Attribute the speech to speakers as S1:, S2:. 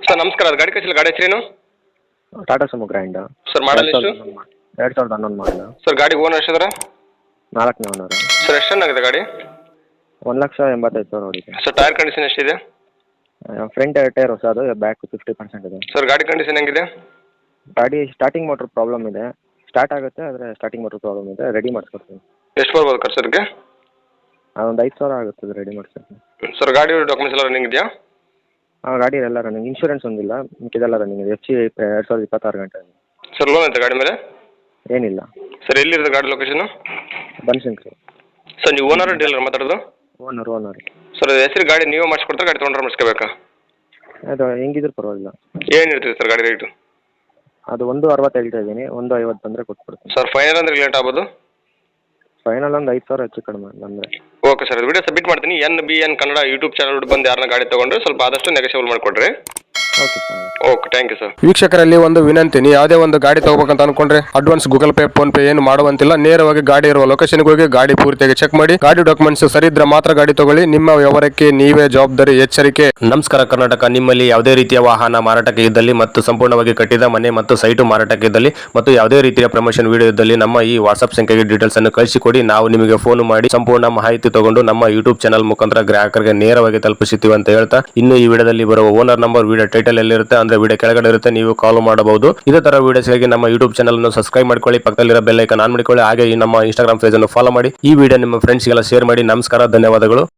S1: Sir ನಮಸ್ಕಾರ, ಅದು ಗಾಡಿ ಕಳಿಸಿಲ್ಲ, ಗಾಡಿ ಹೆಸರೇನು?
S2: Tata Sumo grand
S1: sir model ಎಷ್ಟು?
S2: 2011 ಮಾಡಲ್.
S1: ಸರ್ ಗಾಡಿ ಓನರ್ ಎಷ್ಟಿದಾರೆ?
S2: 4ನೇ ಓನರ್.
S1: ಸರ್ ಎಷ್ಟು ಚೆನ್ನಾಗಿದೆ ಗಾಡಿ?
S2: 1,85,000 ಹೊಡಿದೆ.
S1: ಸರ್ ಟೈರ್ ಕಂಡೀಷನ್ ಎಷ್ಟಿದೆ?
S2: ಫ್ರಂಟ್ 2 ಟೈರ್ ಹೊಸದು, ಬ್ಯಾಕ್ 50% ಇದೆ.
S1: ಸರ್ ಗಾಡಿ ಕಂಡೀಷನ್ ಹೆಂಗಿದೆ?
S2: ಗಾಡಿ ಸ್ಟಾರ್ಟಿಂಗ್ ಮೋಟ್ರ್ ಪ್ರಾಬ್ಲಮ್ ಇದೆ. ಸ್ಟಾರ್ಟ್ ಆಗುತ್ತೆ, ಆದರೆ ಸ್ಟಾರ್ಟಿಂಗ್ ಮೋಟ್ರ್ ಪ್ರಾಬ್ಲಮ್ ಇದೆ. ರೆಡಿ ಮಾಡಿಸ್ಕೊಡ್ತೀನಿ.
S1: ಎಷ್ಟು ಬರ್ಬೋದು ಖರ್ಚು ಅದಕ್ಕೆ?
S2: ಅದೊಂದು 5,000 ಆಗುತ್ತದೆ ರೆಡಿ ಮಾಡಿಸ್ಕೊಡ್ತೀನಿ.
S1: ಸರ್ ಗಾಡಿ ಡಾಕ್ಯುಮೆಂಟ್ಸ್ ಎಲ್ಲ ರನ್ನಿಂಗ್ ಇದೆಯಾ?
S2: ಗಾಡಿ ಎಲ್ಲ ರನ್ನಿಂಗ್, ಇನ್ಶೂರೆನ್ಸ್ ಒಂದಿಲ್ಲ, ಮಿಕ್ಕಿದೆಲ್ಲ ರನ್ನಿಂಗ್ ಇದೆ. FC 2026 ಗಂಟೆ.
S1: ಸರ್ ಲೋನ್ ಐತೆ ಗಾಡಿ ಮೇಲೆ?
S2: ಏನಿಲ್ಲ.
S1: ಸರ್ ಎಲ್ಲಿರುತ್ತೆ ಗಾಡಿ ಲೊಕೇಶನ್?
S2: ಬನಶಂಕರಿ.
S1: ಸರ್ ನೀವು ಓನರ್ ಡೀಲರ್ ಮಾತಾಡೋದು?
S2: ಓನರ್.
S1: ಸರ್ ಹೆಸರು ಗಾಡಿ ನೀವೇ ಮಾಡಿಸ್ಕೊಡ್ತಾರೆ, ಗಾಡಿ ತೊಗೊಂಡ್ರೆ ಮಾಡಿಸ್ಕೋಬೇಕಾ?
S2: ಅದು ಹೆಂಗಿದ್ರು ಪರವಾಗಿಲ್ಲ.
S1: ಏನು ಇರ್ತದೆ ಸರ್ ಗಾಡಿ ರೇಟು?
S2: ಅದು 1,60 ಹೇಳ್ತಾ ಇದ್ದೀನಿ, 1,50 ಬಂದರೆ ಕೊಟ್ಬಿಡ್ತೀನಿ.
S1: ಸರ್ ಫೈನಲ್ ಅಂದ್ರೆ ಲೇಟ್ ಆಗ್ಬೋದು?
S2: ಫೈನಲ್ ಒಂದು 5,000 ಹೆಚ್ಚು ಕಡಿಮೆ ಅಂದರೆ.
S1: ಓಕೆ ಸರ್, ವಿಡಿಯೋ ಸಬ್ಮಿಟ್ ಮಾಡ್ತೀನಿ. NBN ಕನ್ನಡ ಯೂಟ್ಯೂಬ್ ಚಾನಲ್ ಬಂದು ಯಾರನ್ನ ಗಾಡಿ ತೊಗೊಂಡ್ರೆ ಸ್ವಲ್ಪ ಆದಷ್ಟು ನೆಗೋಷಿಯಬಲ್ ಮಾಡಿಕೊಡ್ರಿ.
S2: Okay sir.
S1: Okay, thank you sir.
S3: ವೀಕ್ಷಕರಲ್ಲಿ ಒಂದು ವಿನಂತಿ, ನೀವು ಯಾವುದೇ ಒಂದು ಗಾಡಿ ತಗೋಬೇಕಂತ ಅನ್ಕೊಂಡ್ರೆ advance Google Pay PhonePe ಏನು ಮಾಡುವಂತಿಲ್ಲ. ನೇರವಾಗಿ ಗಾಡಿ ಇರುವ ಲೊಕೇಶನ್ಗೆ ಹೋಗಿ ಗಾಡಿ ಪೂರ್ತಿಯಾಗಿ ಚೆಕ್ ಮಾಡಿ, ಗಾಡಿ ಡಾಕ್ಯುಮೆಂಟ್ಸ್ ಸರಿ ಇದ್ರೆ ಮಾತ್ರ ಗಾಡಿ ತಗೊಳ್ಳಿ. ನಿಮ್ಮ ವ್ಯವಹಾರಕ್ಕೆ ನೀವೇ ಜವಾಬ್ದಾರಿ, ಎಚ್ಚರಿಕೆ.
S4: ನಮಸ್ಕಾರ ಕರ್ನಾಟಕ. ನಿಮ್ಮಲ್ಲಿ ಯಾವುದೇ ರೀತಿಯ ವಾಹನ ಮಾರಾಟಕ್ಕೆ ಇದ್ದಲ್ಲಿ ಮತ್ತು ಸಂಪೂರ್ಣವಾಗಿ ಕಟ್ಟಿದ ಮನೆ ಮತ್ತು ಸೈಟು ಮಾರಾಟಕ್ಕೆ ಇದ್ದಲ್ಲಿ ಮತ್ತು ಯಾವುದೇ ರೀತಿಯ ಪ್ರಮೋಷನ್ ವಿಡಿಯೋ ಇದ್ದಲ್ಲಿ ನಮ್ಮ ಈ ವಾಟ್ಸ್ಆಪ್ ಸಂಖ್ಯೆಗೆ ಡೀಟೇಲ್ಸ್ ಅನ್ನು ಕಳಿಸಿಕೊಡಿ. ನಾವು ನಿಮಗೆ ಫೋನ್ ಮಾಡಿ ಸಂಪೂರ್ಣ ಮಾಹಿತಿ ತಗೊಂಡು ನಮ್ಮ ಯೂಟ್ಯೂಬ್ ಚಾನಲ್ ಮುಖಾಂತರ ಗ್ರಾಹಕರಿಗೆ ನೇರವಾಗಿ ತಲುಪಿಸುತ್ತೀವಿ ಅಂತ ಹೇಳ್ತಾ, ಇನ್ನು ಈ ವಿಡಿಯೋದಲ್ಲಿ ಬರುವ ಓನರ್ ನಂಬರ್ ವಿಡಿಯೋ ಟೈಟಲ್ ಎಲ್ಲಿರುತ್ತೆ ಅಂದ್ರೆ ವಿಡಿಯೋ ಕೆಳಗಡೆ ಇರುತ್ತೆ, ನೀವು ಕಾಲ್ ಮಾಡಬಹುದು. ಇದೇ ತರ ವಿಡಿಯೋಸ್ಗಾಗಿ ನಮ್ಮ ಯೂಟ್ಯೂಬ್ ಚಾನಲ್ ಅನ್ನು ಸಬ್ಸ್ಕ್ರೈಬ್ ಮಾಡ್ಕೊಳ್ಳಿ, ಪಕ್ಕದಲ್ಲಿರೋ ಬೆಲ್ ಐಕಾನ್ ಆನ್ ಮಾಡಿಕೊಳ್ಳಿ. ಹಾಗೆ ಈ ನಮ್ಮ ಇನ್ಸ್ಟಾಗ್ರಾಮ್ ಪೇಜ್ ಅನ್ನು ಫಾಲೋ ಮಾಡಿ. ಈ ವಿಡಿಯೋ ನಿಮ್ಮ ಫ್ರೆಂಡ್ಸ್ಗೆಲ್ಲ ಶೇರ್ ಮಾಡಿ. ನಮಸ್ಕಾರ, ಧನ್ಯವಾದಗಳು.